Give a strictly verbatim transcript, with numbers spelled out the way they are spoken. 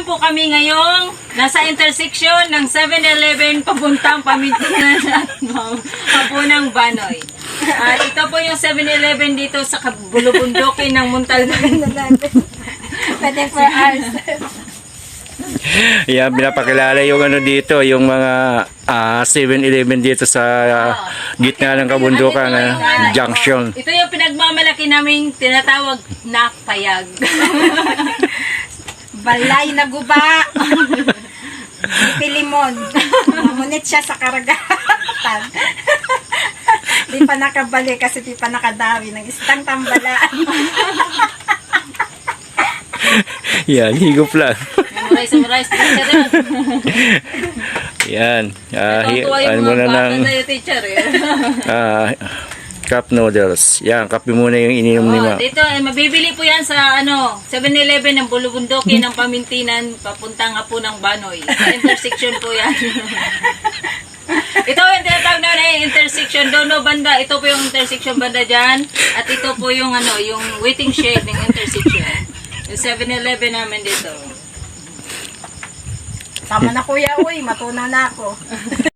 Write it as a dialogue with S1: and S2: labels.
S1: po kami ngayong nasa intersection ng seven eleven papuntang Pamintunan at Hapunang Banoy. At ito po yung seven eleven dito sa Bulubundukin ng Muntalban.
S2: Pwede for hours.
S3: Yan, pinapakilala yung ano dito, yung mga ah, seven eleven dito sa ah, gitna ng kabundukan na junction.
S1: Ito yung pinagmamalaki naming tinatawag na payag.
S2: Balay na guba. Pilimon. Ngunit siya sa karagatan. Di pa nakabalik kasi di pa nakadawi ng istang tambalaan.
S3: Yan, higop lang.
S1: Memorize, memorize, teacher yan.
S3: Yan. Ah, hi-
S1: Natutuwa
S3: ano
S1: yung
S3: muna
S1: mga
S3: ng
S1: bata sa'yo, teacher eh.
S3: ah, cup noodles. Yan, kape muna yung ininom ni
S1: Oh,
S3: Ma.
S1: dito, eh, mabibili po yan sa ano, seven eleven ng Bulubundukin ng Pamintinan, papuntang Hapunang Banoy. Sa intersection po yan. Ito yung tinatawag na eh, intersection. Doon no, banda. Ito po yung intersection banda dyan. At ito po yung ano, yung waiting shed ng intersection. Yung seven eleven namin dito.
S2: Tama na kuya, uy. Matuna na ako.